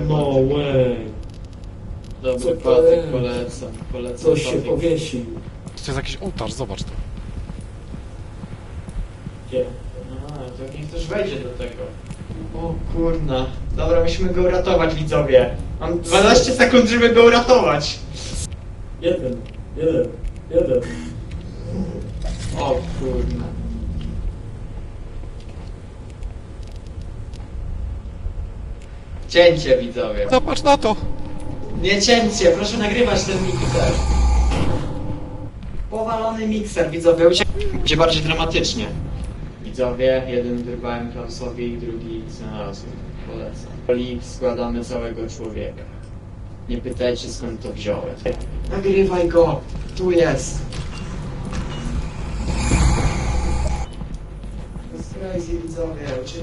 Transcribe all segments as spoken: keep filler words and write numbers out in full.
No way. Dobry Co to patyk, jest? polecam, polecam Coś się patyk. powiesił. To jest jakiś ołtarz, zobacz to. Gdzie? A, to niech ktoś wejdzie do tego. O kurna. Dobra, musimy go uratować, widzowie. Mam dwanaście sekund, żeby go uratować. Jeden, jeden, jeden. O kurna. Cięcie, widzowie. Zobacz na to! Nie cięcie, proszę nagrywać ten mikser. Powalony mikser, widzowie. Uciek... Będzie bardziej dramatycznie. Widzowie, jeden wyrwałem Klausowi, drugi znalazłem. Polecam. Poli składamy całego człowieka. Nie pytajcie, skąd to wziąłem. Nagrywaj go! Tu jest! To jest crazy, widzowie. Uciekaj.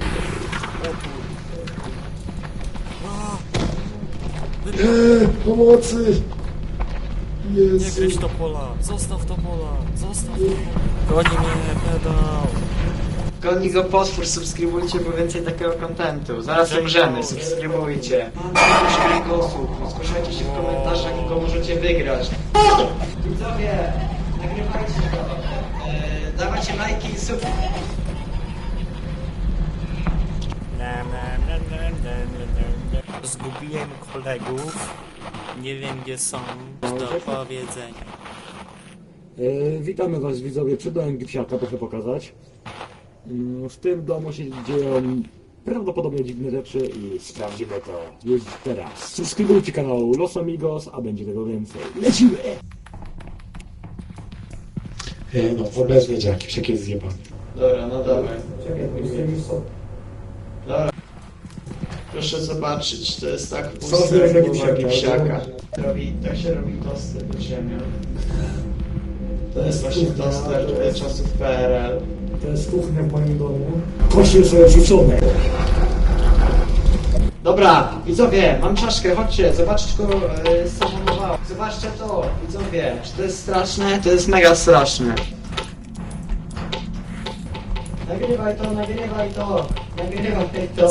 Eee, pomocy! Nie Jezu. gryź to pola, zostaw to pola, zostaw to pola. Goni mnie, pedał. Goni go potwór, subskrybujcie, bo więcej takiego kontentu. Zaraz umrzemy, subskrybujcie. Mam cztery osób, zgłaszajcie się w komentarzach i go możecie wygrać. Widzowie, nagrywajcie go. Eee, dawajcie lajki i sub... Zgubiłem kolegów. Nie wiem gdzie są. Do powiedzenia. E, witamy was widzowie, przed domem Gipsiaka, proszę pokazać. Mm, W tym domu się dzieją prawdopodobnie dziwne rzeczy i sprawdzimy to już teraz. Subskrybujcie kanał Los Amigos, a będzie tego więcej. Lecimy! E, no, w ogóle wiedział, Gipsiak jest zjebany. Dobra, no dawaj. Czekaj, już są. Dobra. Proszę zobaczyć, to jest tak Co puste zrobił jak Gipsiaka? Gipsiaka. Robi, tak się robi tosty pod ziemią. To jest właśnie toster e, czasów P R L. To jest kuchnia w moim domu. Kości są rzucone. Dobra, widzowie, mam czaszkę, chodźcie, zobaczcie, go e, zahamowało. Zobaczcie to, widzowie, czy to jest straszne? To jest mega straszne. Nagrywaj to, nagrywaj to, nagrywaj to.